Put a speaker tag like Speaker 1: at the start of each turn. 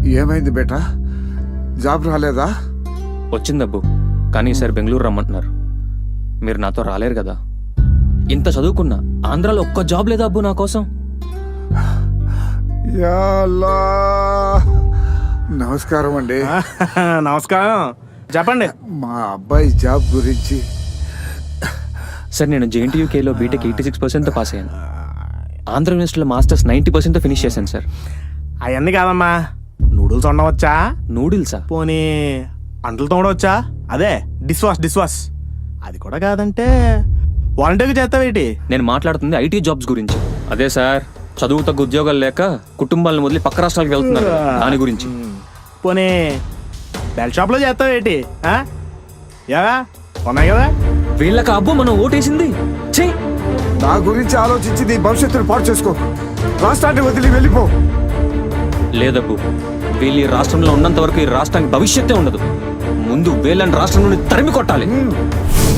Speaker 1: ఏమైంది బేటా? జాబ్ రాలేదా?
Speaker 2: వచ్చిందబ్బు, కానీ ఈసారి బెంగళూరు రమ్మంటున్నారు. మీరు నాతో రాలేరు కదా. ఇంత చదువుకున్నా ఆంధ్రాలో ఒక్క జాబ్ లేదా అబ్బు నా కోసం?
Speaker 1: యా అల్లా. నమస్కారం అండి.
Speaker 3: నమస్కారం, చెప్పండి.
Speaker 1: మా అబ్బాయి జాబ్ గురించి.
Speaker 2: సార్, నేను JNTUKలో బీటెక్ 86% పాస్ అయ్యాను. ఆంధ్ర యూనివర్సిటీలో మాస్టర్స్ 90% ఫినిష్ చేశాను సార్.
Speaker 3: అవన్నీ కాదమ్మా, నూడిల్స్ వండవచ్చా?
Speaker 2: నూడిల్సా?
Speaker 3: పోనీ అంటలు తోడవచ్చా? అదే డిష్ వాష్. అది కూడా కాదంటే వాలంటీర్గా చేస్తావేటి?
Speaker 2: నేను మాట్లాడుతుంది IT జాబ్స్ గురించి. అదే సార్, చదువు తగ్గ ఉద్యోగాలు లేక కుటుంబాలను వదిలి పక్క రాష్ట్రాలకు వెళ్తున్నారు, దాని గురించి.
Speaker 3: పోనీ బెల్ షాప్లో చేస్తావేటి? ఏవా ఉన్నాయి కదా.
Speaker 2: వీళ్ళకి అబ్బు మనం ఓటేసింది. ఛీ!
Speaker 1: నా గురించి ఆలోచించి నీ భవిష్యత్తును పాడు చేసుకో. రాష్ట్రాన్ని వదిలి వెళ్ళిపో.
Speaker 2: లేదబ్బు, వీళ్ళు ఈ రాష్ట్రంలో ఉన్నంత వరకు ఈ రాష్ట్రానికి భవిష్యత్తే ఉండదు. ముందు వీళ్ళని రాష్ట్రం నుండి తరిమి కొట్టాలి.